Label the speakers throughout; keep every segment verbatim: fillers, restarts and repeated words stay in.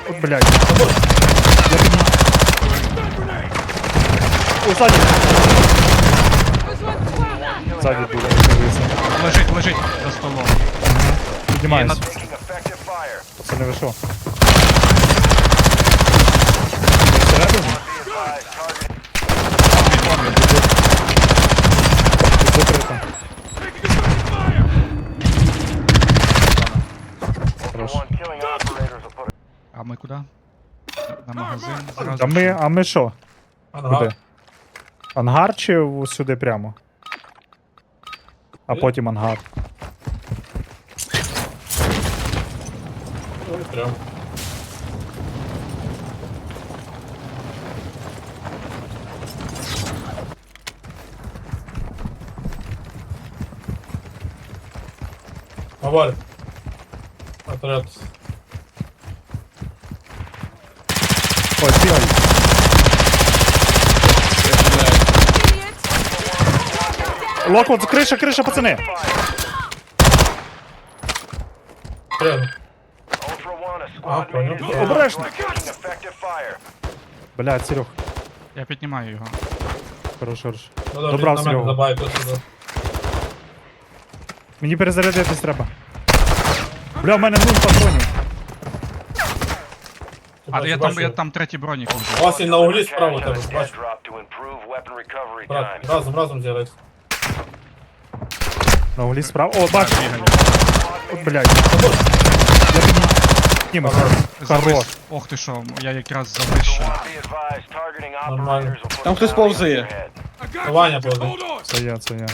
Speaker 1: От, блядь. Я піднімаю. О, ззаді. Ззаді буде, дивися.
Speaker 2: Лежить, лежить за столом.
Speaker 1: Піднімаюсь.
Speaker 2: Є на-
Speaker 1: Пацани, ви що? Всередину? Тут закрито. Хорош.
Speaker 2: А ми куди? На магазин зразу.
Speaker 1: А ми, а ми що?
Speaker 3: Ангар.
Speaker 1: Куди? Ангар чи в- сюди прямо? А потім ангар.
Speaker 3: Ой, прям. Авария. Отряд.
Speaker 1: Ой, бігай. Локвуд, криша, криша, пацани.
Speaker 3: Прям. А, понял.
Speaker 1: Обережно. Блядь, Серег.
Speaker 2: Я піднімаю його.
Speaker 1: Хорош, хорош.
Speaker 3: Надо
Speaker 1: Добрав
Speaker 3: на мене
Speaker 1: Серегу.
Speaker 3: добавити сюди.
Speaker 1: Мені перезарядитись треба. Бля, в мене нуль патронів.
Speaker 2: А
Speaker 3: Ти
Speaker 2: я
Speaker 3: бачиш,
Speaker 2: там, я там третій бронік
Speaker 3: У
Speaker 2: лежить.
Speaker 3: вас і на углі справа тебе, бачиш. Брат, разом, разом зробити.
Speaker 1: На углі справа. О, бачу.
Speaker 2: Бігаю.
Speaker 1: От, блядь. Я підніму. Хорош.
Speaker 2: Завис. Ох ти що, я якраз завищу.
Speaker 3: Нормально.
Speaker 4: Там хтось повзає.
Speaker 3: Ваня повзе.
Speaker 1: Це я, це я.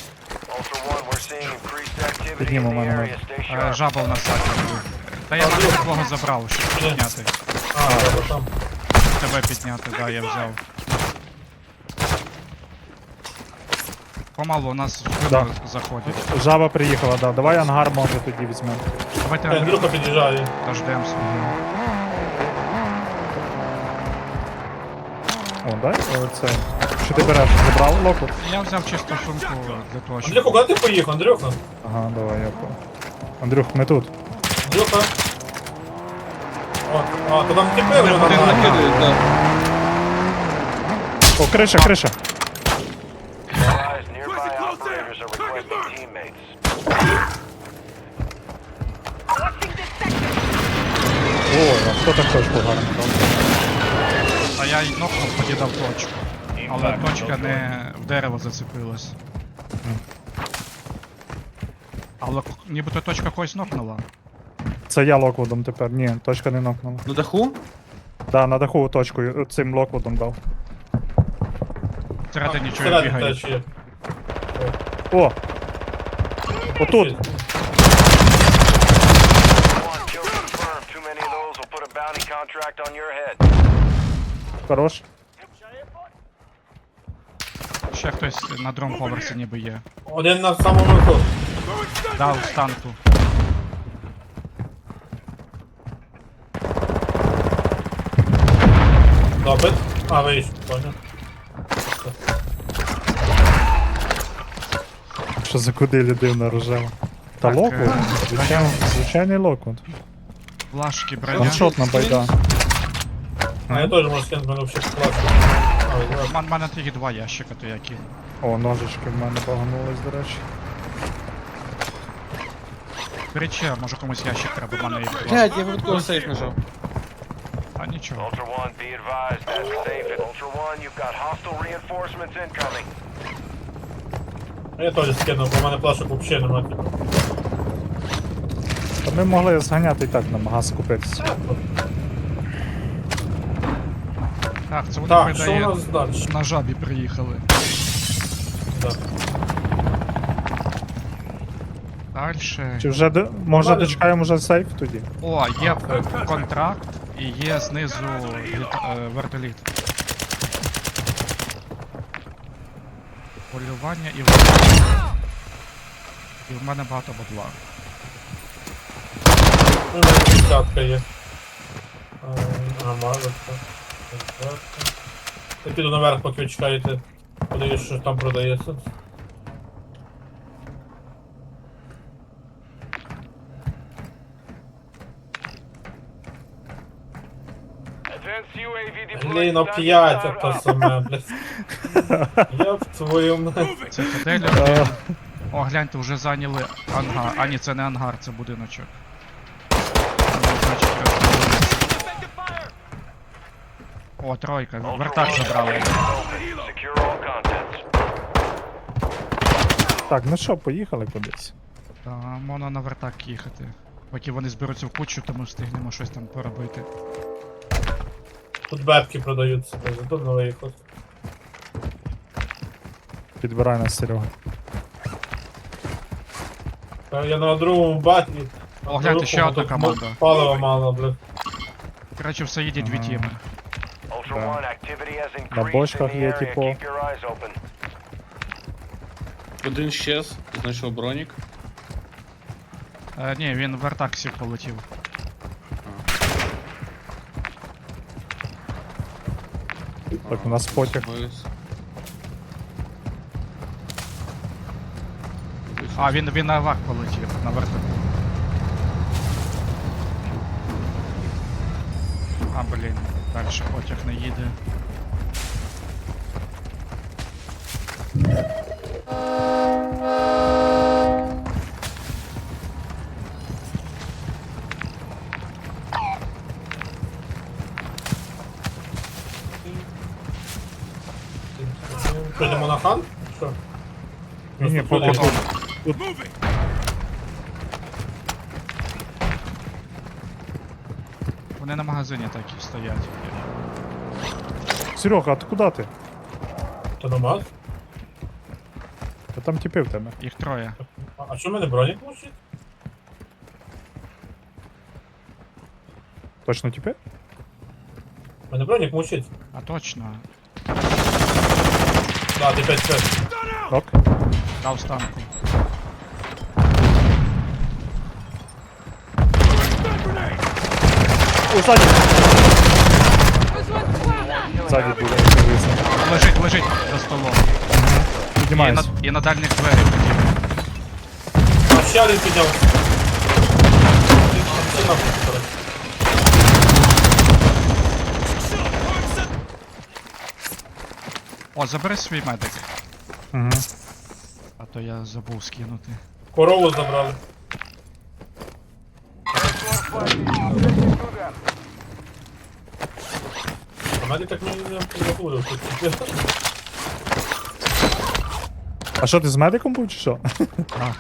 Speaker 1: Підніму мене.
Speaker 2: Е, Жаба в нас саді. Та я навіть твого забрав, щоб підняти.
Speaker 3: А, добре, там.
Speaker 2: Тебе підняти, да, я взяв. Помалу у нас в
Speaker 1: Да.
Speaker 2: вибор заходять.
Speaker 1: Жаба приїхала, да. Давай ангар може тоді візьмемо.
Speaker 2: Давайте
Speaker 3: Е, Андрюха під'їжджає.
Speaker 2: дождемося.
Speaker 1: О, дай. О, це. Що ти береш? Забрав локвуд?
Speaker 2: Я взяв чисту сумку для того,
Speaker 3: Андрюха,
Speaker 2: щоб...
Speaker 3: куди ти поїхав, Андрюха?
Speaker 1: Ага, давай, я по. Андрюх, ми тут.
Speaker 3: Андрюха. О, а, то там тіпи вже
Speaker 2: Один
Speaker 3: нормально.
Speaker 4: Накидають, да.
Speaker 1: О, криша, криша. Ой, а хто так точку гарно дав?
Speaker 2: А я й нокнув, покидав точку. Але точка не в дерево зацепилась. Але к- нібито точка когось нокнула.
Speaker 1: Це я локвудом тепер. Ні, точка не нокнула.
Speaker 4: На даху?
Speaker 1: Да, на даху точкою цим локвудом дав.
Speaker 2: Всередині чого
Speaker 3: Всередині
Speaker 2: бігає.
Speaker 3: теж є.
Speaker 1: О! Отут! Хорош.
Speaker 2: Ще хтось на другому поверсі ніби є.
Speaker 3: Один на самому верху.
Speaker 2: Да, у станку.
Speaker 3: Допит. А, вийшов, понял.
Speaker 1: Що за куди людина рожева? Та
Speaker 2: Так,
Speaker 1: локвуд?
Speaker 2: е,
Speaker 1: Звичайно, звичайний локвуд.
Speaker 2: Флашки, броня.
Speaker 1: Ваншотна байда.
Speaker 3: А я теж можу скинути, мене взагалі класно. А, ви
Speaker 2: У мен- мене тільки два ящика, то я кину.
Speaker 1: О, ножички в мене баганулись, до речі.
Speaker 2: Беріть ще, може комусь ящик треба, в мене їх два.
Speaker 4: Блядь, я випадково сейф нажав.
Speaker 2: А нічого.
Speaker 5: Ultra One, be advised, that's safe at Ultra One. You've got hostile reinforcements incoming.
Speaker 3: Я теж скинув, бо в мене плашок взагалі немає. типу.
Speaker 1: Та ми могли зганяти і так на магаз купитися.
Speaker 2: Так, це вони
Speaker 3: Так, що у
Speaker 2: передає.
Speaker 3: нас далі?
Speaker 2: На жабі приїхали.
Speaker 3: Да.
Speaker 2: Дальше.
Speaker 1: Чи вже до... може
Speaker 3: Давай.
Speaker 1: дочекаємо вже сейф тоді?
Speaker 2: О, є контракт і є знизу літ... е, вертоліт. Полювання і вертоліт. І в мене багато бабла.
Speaker 3: Ну, в мене десятка є. А, а мало. так. Я піду наверх, поки ви чекаєте. Подивись, що там продається.
Speaker 5: Advanced U A V deployed.
Speaker 3: Блін,
Speaker 5: Standing
Speaker 3: оп'ять
Speaker 5: side
Speaker 3: ото
Speaker 5: up.
Speaker 3: саме, блядь. Я в твою мать.
Speaker 2: Цитадель один. О, гляньте, вже зайняли ангар. А ні, це не ангар, це будиночок. Ну, значить, розповідається. О, тройка,
Speaker 5: Ultra
Speaker 2: вертак
Speaker 5: One,
Speaker 2: забрали.
Speaker 5: open. Secure all contents.
Speaker 1: Так, ну що, поїхали кудись.
Speaker 2: Та, можна на вертак їхати. Поки вони зберуться в кучу, то ми встигнемо щось там поробити.
Speaker 3: Тут бебки продаються, тут новий ход.
Speaker 1: Підбирай нас, Серега.
Speaker 3: Я на другому баті.
Speaker 2: О, гляньте, ще одна команда.
Speaker 3: Палива мало, блядь.
Speaker 2: Коротше, все їде дві
Speaker 1: Ага.
Speaker 2: тіми.
Speaker 5: Ultra
Speaker 1: Да.
Speaker 5: One, activity has
Speaker 1: На
Speaker 5: increased in
Speaker 1: бочках
Speaker 5: the
Speaker 1: є,
Speaker 5: area.
Speaker 1: типу.
Speaker 5: Keep your eyes open.
Speaker 4: Один щез, знайшов бронік.
Speaker 2: Е, ні, він в вертак сів полетів.
Speaker 1: Так, у нас потяг.
Speaker 4: Ось.
Speaker 2: А, він, він на вак полетів, на вертаку. А, блін, далі потяг не їде.
Speaker 3: Що, йдемо на хан? Що?
Speaker 1: Ні, ні,
Speaker 3: Просто
Speaker 1: поки
Speaker 3: туди.
Speaker 1: тут.
Speaker 2: Вони на магазині так і стоять.
Speaker 1: Серега, а ти куди ти?
Speaker 3: То намаз?
Speaker 1: Та там тіпи в тебе.
Speaker 2: Їх троє.
Speaker 3: А а що в мене бронік мучить?
Speaker 1: Точно тіпи?
Speaker 3: У мене бронік мучить.
Speaker 2: А точно.
Speaker 3: Да, ти п'ять п'ять.
Speaker 1: Ок.
Speaker 2: Дав станку.
Speaker 1: О, ззаді! Ззаді буде, дивися.
Speaker 2: Лежить, лежить за столом. І на,
Speaker 1: Піднімайся.
Speaker 2: і на дальних дверях летів.
Speaker 3: А ще один піднявся. Всі нахуй, коротше.
Speaker 2: О, забери свій медик.
Speaker 1: Угу.
Speaker 2: А то я забув скинути.
Speaker 3: Корову забрали. А мене так мені не забули.
Speaker 1: А що, ти з медиком був чи що?
Speaker 2: Так.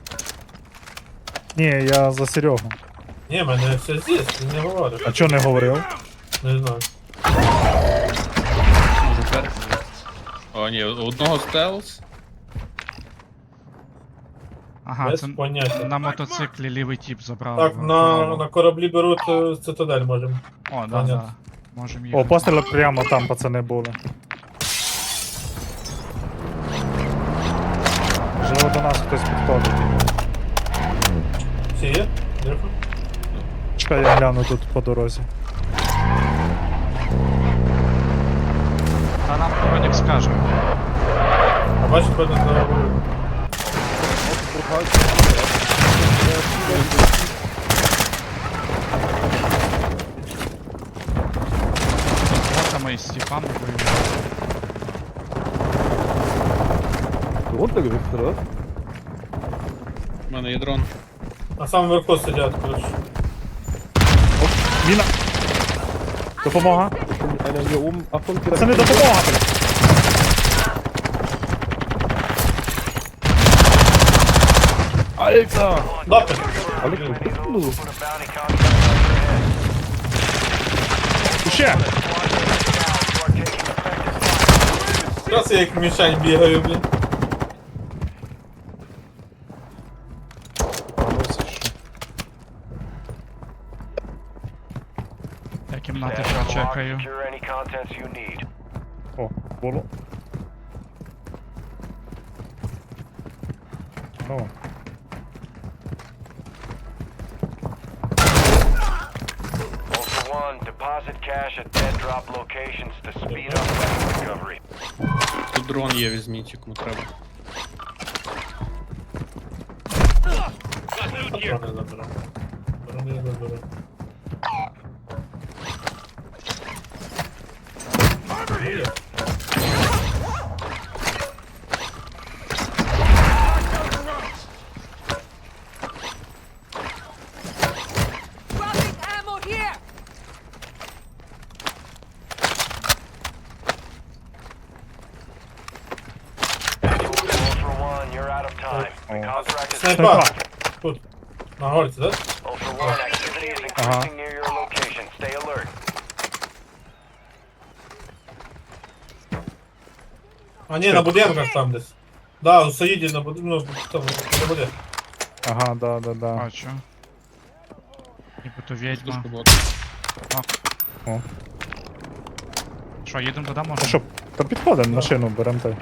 Speaker 1: Ні, я за Серегу.
Speaker 3: Ні, мене все здесь, він не говорить.
Speaker 1: А чого не говорив?
Speaker 3: Не знаю.
Speaker 4: Може перший. О, ні, у одного стелс.
Speaker 2: Ага,
Speaker 3: Без
Speaker 2: це
Speaker 3: поняття.
Speaker 2: на мотоциклі лівий тіп забрав.
Speaker 3: Так,
Speaker 2: в
Speaker 3: на,
Speaker 2: голову.
Speaker 3: на кораблі беруть е, цитадель можемо.
Speaker 2: О, да,
Speaker 3: понятно.
Speaker 2: да. Можем
Speaker 1: О,
Speaker 2: їхати.
Speaker 1: постріли прямо там, пацани, були. Можливо, до нас хтось підходить.
Speaker 3: Всі є? Дякую.
Speaker 1: Чекай, я гляну тут по дорозі.
Speaker 2: Та нам Бронік скаже.
Speaker 3: А бачиш, певно, заговорили.
Speaker 2: З ботами і з тіпами воюють.
Speaker 4: У мене є дрон.
Speaker 3: На самому верху сидять, коротше.
Speaker 1: Міна! Допомога! Це не допомога, блядь!
Speaker 3: Дати!
Speaker 5: Put a bounty contract on your head.
Speaker 1: Ще!
Speaker 5: You are taking effective fire.
Speaker 3: Зараз я як мішань бігаю, блін.
Speaker 2: Я кімнати
Speaker 5: Stand on the lock,
Speaker 2: прочекаю.
Speaker 5: secure any contents you need.
Speaker 1: О, було. О,
Speaker 5: Ultra One, deposit cash at dead drop locations to speed up weapon recovery.
Speaker 4: Тут дрон є, візьміть, кому треба.
Speaker 3: Патрони заберу. Патрони заберу. є.
Speaker 6: Dropping ammo here!
Speaker 5: Ultra One, you're out of time. The contract is
Speaker 3: Снайпа! Тут. На горці, да?
Speaker 5: Ultra One, activity is increasing near your location. Stay alert.
Speaker 3: А ні, на будинках там десь. Да, у Саїді на будинку, ну, там, на будинку.
Speaker 1: Ага, да, да, да.
Speaker 2: Бачу. Нібито відьма.
Speaker 4: Душка була.
Speaker 1: О.
Speaker 2: Що, їдемо туди, може?
Speaker 1: Ну що, то підходимо, машину беремо той.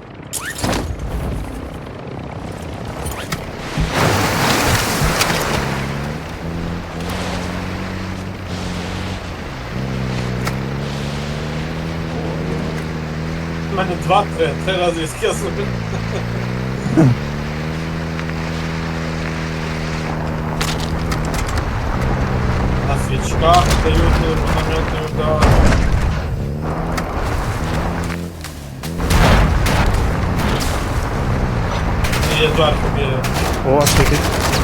Speaker 3: У мене два-три, три рази візки собі. На свічках дають мінометний удар. І є зверху біля.
Speaker 1: О, світить.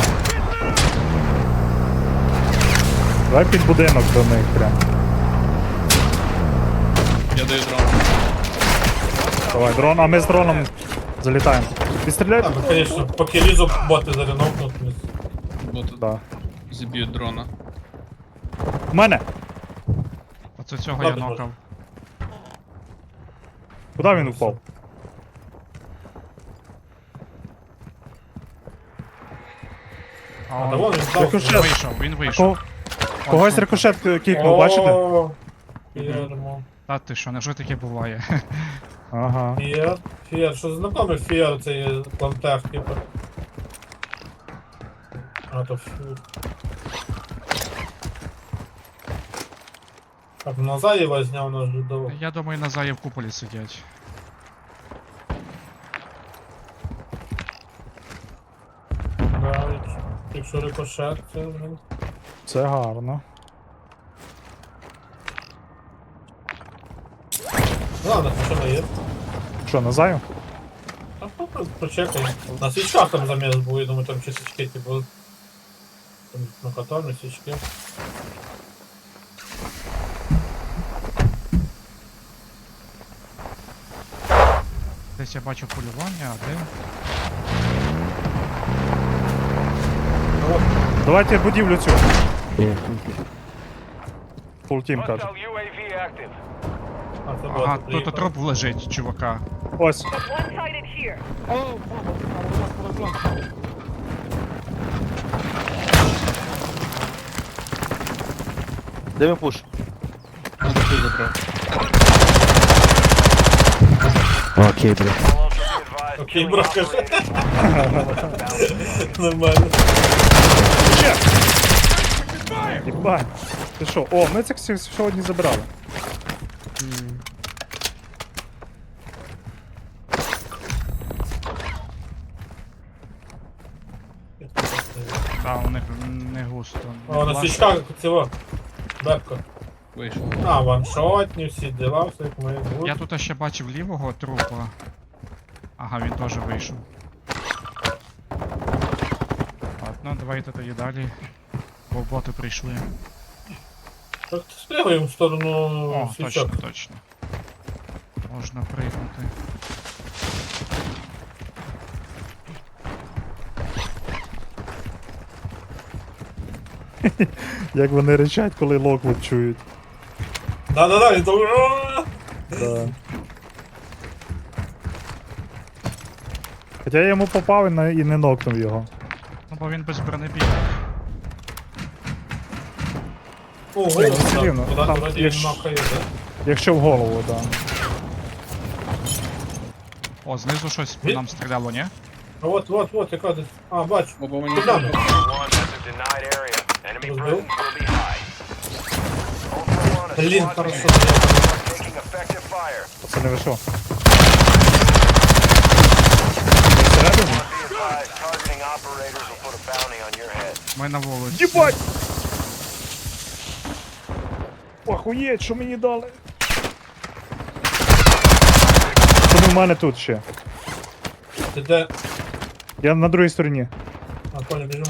Speaker 1: Давай під будинок до них прям.
Speaker 4: Я даю дрон.
Speaker 1: Давай, дрон, а ми з дроном залітаємо. Відстріляй?
Speaker 3: Так, звісно, поки лізу боти зарінокнуть.
Speaker 4: Боти
Speaker 1: Да.
Speaker 4: зіб'ють дрона.
Speaker 1: У мене!
Speaker 2: Оце цього я
Speaker 3: Ладно,
Speaker 2: нокав.
Speaker 1: Куди він упав?
Speaker 2: А,
Speaker 3: А,
Speaker 2: он
Speaker 3: да вон він
Speaker 1: Я
Speaker 3: став.
Speaker 1: хочу-
Speaker 2: він вийшов, він вийшов.
Speaker 1: Кого... Когось рикошет кікнув, бачите?
Speaker 3: О, Фірмо.
Speaker 2: Та ти що, невже таке буває?
Speaker 1: Ага.
Speaker 3: Фіер. Фіер, що знакомий Фіер, це є плантех, типу. А, то фу. Так, Назаєва зняв наш жидово.
Speaker 2: Я думаю, на заї в куполі сидять.
Speaker 3: Да, якщо- якщо рикошет, це вже.
Speaker 1: Це гарно.
Speaker 3: Ладно, що не є.
Speaker 1: Що, назаю?
Speaker 3: Та попри- почекай. На свічках там заміс був, я думаю, там чи свічки, типу. Там на катарні свічки.
Speaker 2: Десь я бачу полювання, а де?
Speaker 1: Давайте будівлю цю. Фултім каже.
Speaker 5: Hostile ю ей ві active.
Speaker 3: А, це
Speaker 2: Ага,
Speaker 3: боти
Speaker 2: тут
Speaker 3: приїхали.
Speaker 2: труп лежить, чувака.
Speaker 1: Ось.
Speaker 6: One-sided here.
Speaker 7: Де ми пуш?
Speaker 4: Я таку забрав.
Speaker 7: Окей, бля.
Speaker 5: All Ultra be advised,
Speaker 3: Окей,
Speaker 5: killing
Speaker 3: бро, скажи.
Speaker 5: operators.
Speaker 3: Нормально.
Speaker 1: Єбать. Ти що? О, ми цих всіх сьогодні забирали.
Speaker 2: Та, у них не густо.
Speaker 3: О, на
Speaker 2: Власне,
Speaker 3: свічках цього. Бепко.
Speaker 4: Вийшов.
Speaker 3: А, ваншотні, всі дела, все як має бути.
Speaker 2: Я тут ще бачив лівого трупа. Ага, він теж вийшов. Ладно, давайте тоді далі. Бо боти прийшли.
Speaker 3: Так, спрягаємо в сторону
Speaker 2: О,
Speaker 3: свічок.
Speaker 2: точно, точно. Можна пригнути.
Speaker 1: Як вони речать, коли локвуд чують.
Speaker 3: Да-да-да, він там. «Ааа!»
Speaker 1: Да. Хоча я йому попав і не- і не нокнув його.
Speaker 2: Ну бо він без бронебійок.
Speaker 3: О,
Speaker 1: ну,
Speaker 3: голову
Speaker 1: все
Speaker 3: там.
Speaker 1: рівно.
Speaker 3: Куди
Speaker 1: Там
Speaker 3: вроді
Speaker 1: є
Speaker 3: він
Speaker 1: ж-
Speaker 3: махає, да?
Speaker 1: Якщо в голову, так. Да.
Speaker 2: О, знизу щось по
Speaker 3: Він-
Speaker 2: нам стріляло, ні?
Speaker 3: А от, от, от, яка десь. А, бачу.
Speaker 4: Опа, мені
Speaker 3: Куди ми?
Speaker 5: Ultra One, that's a denied area. Enemy
Speaker 3: Разбил?
Speaker 5: presence will be high. Ultra One, a
Speaker 3: Блін,
Speaker 5: squad
Speaker 3: хорошо.
Speaker 5: mate is taking effective fire.
Speaker 1: Це не вийшло.
Speaker 5: Be
Speaker 1: Всередину?
Speaker 5: advised, targeting operators will put a bounty on your head.
Speaker 2: Ми на вулиці.
Speaker 1: Єбать! Охуєть, що мені дали? у мене тут ще.
Speaker 3: Ти де?
Speaker 1: Я на другій стороні.
Speaker 3: А, понял, біжимо.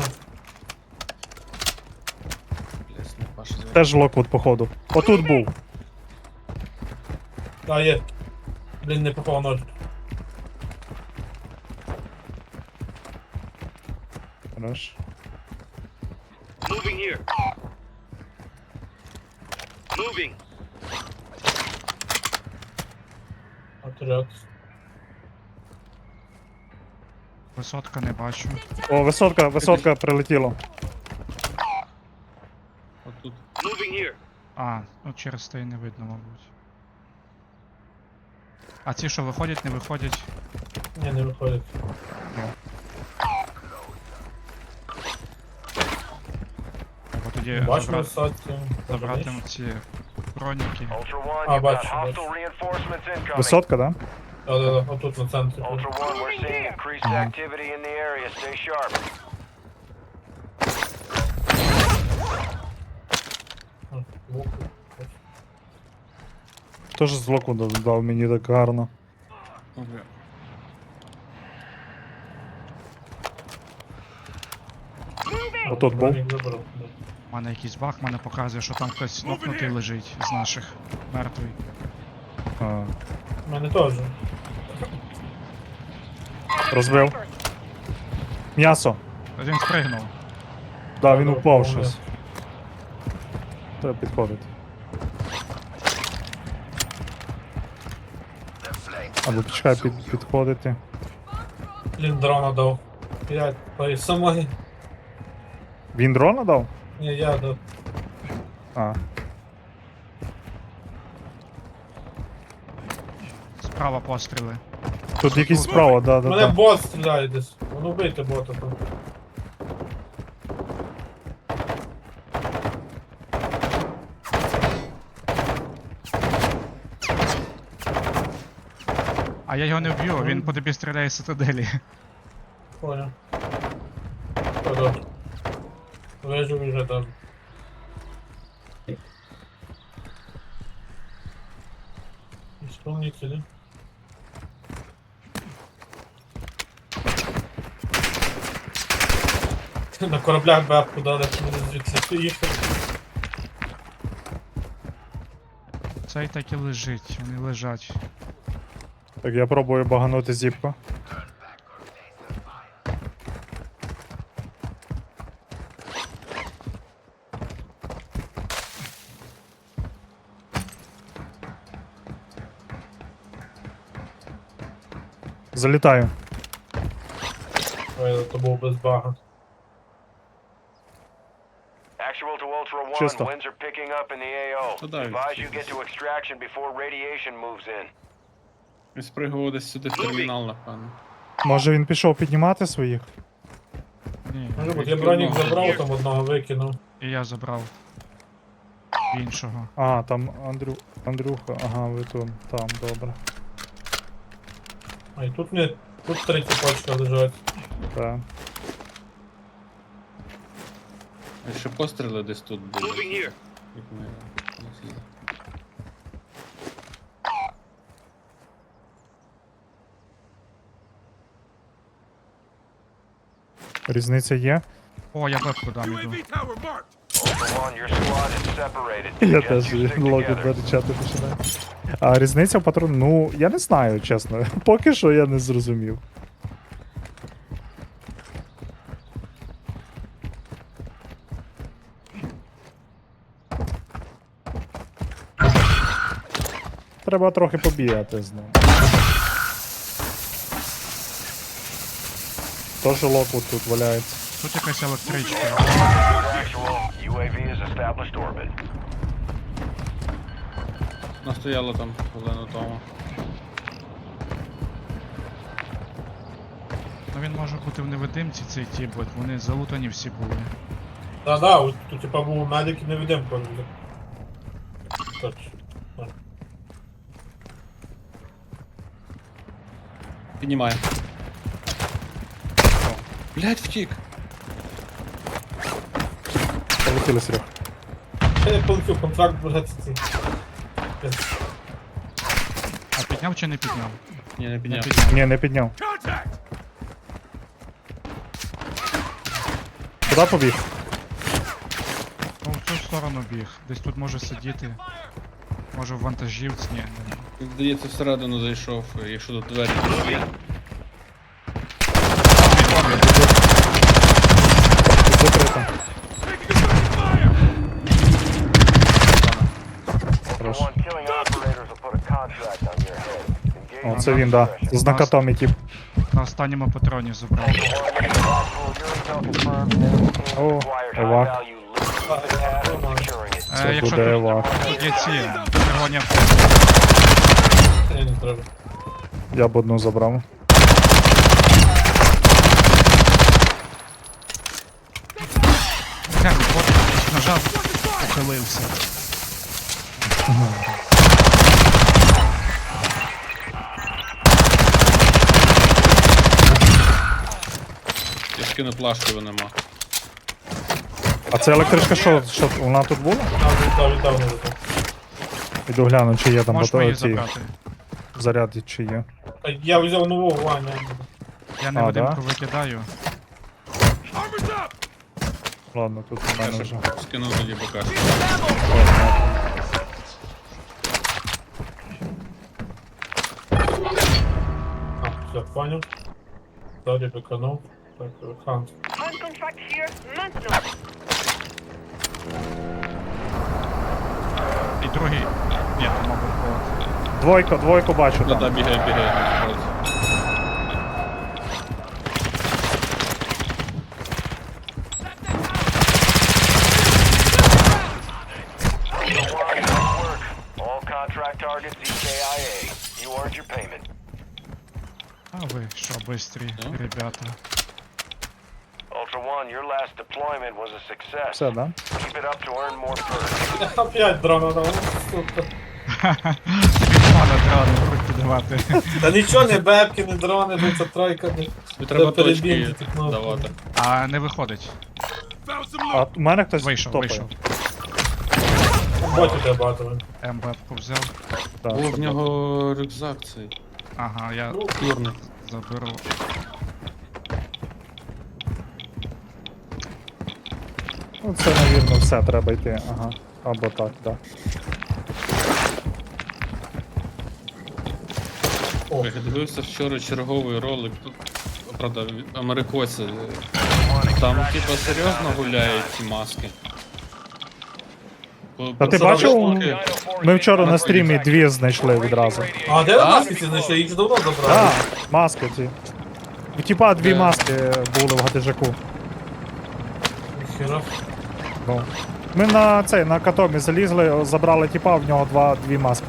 Speaker 4: Блядь, не паша звати.
Speaker 1: Теж Локвуд, походу. Отут був.
Speaker 3: А, є. Блін, не попав ночь.
Speaker 1: Хорош.
Speaker 8: Moving here. Moving.
Speaker 3: Отряд.
Speaker 2: Висотка не бачу.
Speaker 1: О, висотка, висотка прилетіла.
Speaker 4: Отут.
Speaker 8: Moving here.
Speaker 2: А, ну через те й не видно, мабуть. А ці що, виходять, не виходять?
Speaker 3: Ні, не виходить.
Speaker 2: Треба тоді
Speaker 3: Бачу
Speaker 2: забрати,
Speaker 3: висадці.
Speaker 2: забрати ці броніки.
Speaker 5: Ultra One,
Speaker 3: Ah,
Speaker 5: you've got
Speaker 3: бачу,
Speaker 5: hostile
Speaker 3: бачу.
Speaker 5: reinforcements incoming.
Speaker 1: Висотка, да?
Speaker 3: Да, да, да, отут на центрі.
Speaker 5: Ultra One, we're seeing increased activity in the area. Stay sharp.
Speaker 3: А, збоку.
Speaker 1: Хто ж з Локвуда дав мені так гарно?
Speaker 4: О, бля.
Speaker 1: Отут був.
Speaker 3: Бронік забрав, да.
Speaker 2: У мене якийсь баг, мене показує, що там хтось нокнутий лежить з наших. Мертвий.
Speaker 1: А,
Speaker 3: У мене теж.
Speaker 1: розбив. М'ясо.
Speaker 2: Він спригнув.
Speaker 1: Да, він
Speaker 3: Да,
Speaker 1: упав
Speaker 3: да,
Speaker 1: щось. Треба підходити. Або почекай під, підходити.
Speaker 3: Блін, дрона дав. П'ять, по самої.
Speaker 1: Він дрона дав?
Speaker 3: Ні, я дав.
Speaker 1: А,
Speaker 2: Справа постріли.
Speaker 1: тут якийсь справа, да, да,
Speaker 3: Мене
Speaker 1: да.
Speaker 3: бот стріляє десь. Ну вбийте бота там.
Speaker 2: А я його не вб'ю, він по тобі стріляє з цитаделі.
Speaker 3: Понял. Добре. Вижу вже там. Исполнители. На кораблях бабку дали, щоб вони звідси їхали.
Speaker 2: Цей так і лежить, вони лежать.
Speaker 1: Так, я пробую баганути зіпку. Залітаю.
Speaker 3: Ой, то був без бага.
Speaker 5: Actual to Ultra One,
Speaker 1: Чисто.
Speaker 5: winds are picking up in the A O.
Speaker 4: Та дай,
Speaker 5: Advise you get to extraction before radiation moves in.
Speaker 4: Він спригував десь сюди в термінал, напевно.
Speaker 1: Може він пішов піднімати своїх?
Speaker 2: Ні,
Speaker 3: Може бути, я бронік забрав, там одного викинув.
Speaker 2: і я забрав іншого.
Speaker 1: А, там Андрю... Андрюха, ага, ви тут, там, добре.
Speaker 3: А і тут не. Тут три цепочка лежать.
Speaker 1: Так.
Speaker 4: А ще постріли десь тут були.
Speaker 8: Moving here.
Speaker 4: Як ми не з'їли.
Speaker 1: Різниця є?
Speaker 2: О, я бепку дам іду.
Speaker 5: Ultra One, your squad is separated.
Speaker 1: Я
Speaker 5: Suggest
Speaker 1: теж
Speaker 5: you stick
Speaker 1: логін
Speaker 5: together.
Speaker 1: вирішати починаю. А різниця в патрон... Ну, я не знаю, чесно. Поки що я не зрозумів. Треба трохи побігати з ним. Тож Локвуд тут валяється.
Speaker 2: Тут якась електричка.
Speaker 5: Actual, U A V is established orbit.
Speaker 4: Вона стояла там хвилину тому.
Speaker 2: Ну він може бути в невидимці цей тіп, бо вони залутані всі були.
Speaker 3: Да-да, от тут типа був медик і невидимка. Точно.
Speaker 4: Піднімає. Блять, втік.
Speaker 1: Полетіли, Серег.
Speaker 3: Я не полетів, контракт бажати ці.
Speaker 2: А підняв чи не підняв?
Speaker 4: Ні, не
Speaker 2: Не
Speaker 4: підняв.
Speaker 2: підняв.
Speaker 1: Ні, не підняв. Куди побіг?
Speaker 2: Ну, в цю сторону біг. Десь тут може сидіти. Може в вантажівці. Ні, не.
Speaker 4: Здається, всередину зайшов, якщо тут двері є.
Speaker 1: Тут закрито.
Speaker 5: Ultra One, killing operators will put a contract on your head. Engage
Speaker 1: О, це він, да. З накатом, тип.
Speaker 2: На останньому патроні забрав.
Speaker 1: О, евак. Це
Speaker 2: Е, якщо
Speaker 1: буде
Speaker 2: тут
Speaker 1: евак.
Speaker 2: є ці червоні авто.
Speaker 3: Ні, не треба.
Speaker 1: Я б одну забрав.
Speaker 2: Глянь, от нажав, похилився.
Speaker 4: Я скину плашку, його нема.
Speaker 1: А це електричка що? Що вона тут була?
Speaker 3: Там віддав, віддав, не віддав.
Speaker 1: Іду гляну, чи є там
Speaker 2: Можеш
Speaker 1: бато-
Speaker 2: мої
Speaker 1: ці
Speaker 2: забрати.
Speaker 1: заряди, чи є.
Speaker 3: Та Я взяв нового Ваня.
Speaker 2: Я
Speaker 1: А,
Speaker 2: невидимку
Speaker 1: да?
Speaker 2: викидаю.
Speaker 1: Ладно, тут у
Speaker 4: Я
Speaker 1: мене
Speaker 4: ще
Speaker 1: вже.
Speaker 4: скину тоді покажу.
Speaker 3: А, все, понял. Далі виконав. Так, хант.
Speaker 6: On contract here. Maintenant.
Speaker 2: І другий. Ні, то мабуть бот.
Speaker 1: Двойку, двойку бачу
Speaker 4: Да, да,
Speaker 1: там.
Speaker 4: бігає, бігає. насправді.
Speaker 5: All contract targets E K I A. You earned your payment.
Speaker 2: А ви що, бистрі,
Speaker 4: Ну.
Speaker 2: ребята.
Speaker 5: Ultra One, your last deployment was a success.
Speaker 1: Все, да?
Speaker 5: Keep it up to earn more perks.
Speaker 3: Опять дрона дав, сука.
Speaker 2: Пане треба не будуть підгавати.
Speaker 3: Та нічого, не бебки, не дрони, ну це тройка. не-
Speaker 4: Тобі треба
Speaker 3: Та перебігти
Speaker 4: точки
Speaker 3: ці кнопки.
Speaker 4: давати.
Speaker 2: А не виходить.
Speaker 1: А у мене хтось
Speaker 2: Вийшов,
Speaker 1: топає.
Speaker 2: вийшов.
Speaker 3: Ботів я багато.
Speaker 2: МБ-ку взяв.
Speaker 1: Так,
Speaker 4: О,
Speaker 1: щоб-
Speaker 4: в нього рюкзак цей.
Speaker 2: Ага, я
Speaker 4: Чорний.
Speaker 2: заберу.
Speaker 1: Ну, це, навірно, все, треба йти. Ага. Або так, так.
Speaker 3: О,
Speaker 4: Я дивився вчора черговий ролик. Тут, правда, америкоці. Там, типа, серйозно гуляють ці маски. По-
Speaker 1: Та ти
Speaker 4: по-
Speaker 1: бачив?
Speaker 4: штуки.
Speaker 1: Ми вчора на стрімі дві знайшли відразу.
Speaker 3: А де ви маски ці знайшли? Їх ж давно забрали.
Speaker 1: Так, маски ці. У тіпа дві
Speaker 4: Де?
Speaker 1: маски були в гадежаку.
Speaker 3: Ніхіра.
Speaker 1: Ну. Ми на цей, на катомі залізли, забрали тіпа, в нього два, дві маски.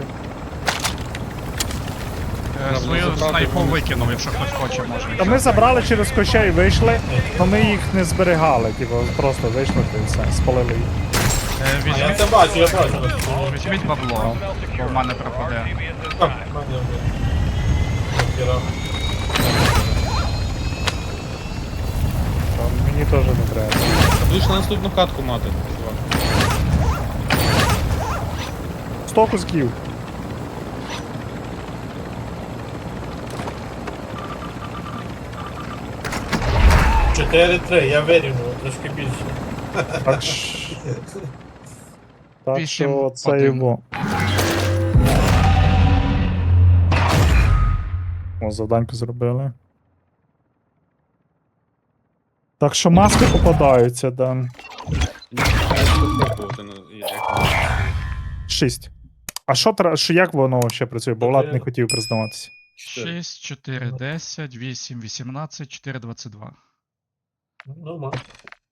Speaker 2: Е,
Speaker 4: Треба
Speaker 2: Свою
Speaker 4: забрати,
Speaker 2: снайпу
Speaker 4: вони-
Speaker 2: викинув, якщо хтось хоче, може.
Speaker 1: Та ми забрали через кощей, вийшли, але ми їх не зберігали, типу, просто вийшли і все, спалили їх.
Speaker 2: Е,
Speaker 3: А я
Speaker 2: Візьміть,
Speaker 3: це бачу, я бачу.
Speaker 2: візьміть бабло, бо в мене пропаде.
Speaker 3: Так, в мене вже. Ніхіра.
Speaker 1: Та мені теж не треба.
Speaker 4: Будеш на наступну катку мати, чувак.
Speaker 1: Сто кусків.
Speaker 3: чотири-три, я вирівнював, трошки більше.
Speaker 1: Так, ш- так
Speaker 2: Вісім,
Speaker 1: що це
Speaker 2: один.
Speaker 1: його. О, завданьку зробили. Так що маски попадаються, да.
Speaker 4: Я буду пробувати, ну, як-
Speaker 1: Шість. А що тра- що як воно ще працює? Бо Влад не хотів признаватися.
Speaker 2: шість, чотири, десять, вісім, вісімнадцять, чотири, двадцять два.
Speaker 3: Нормально.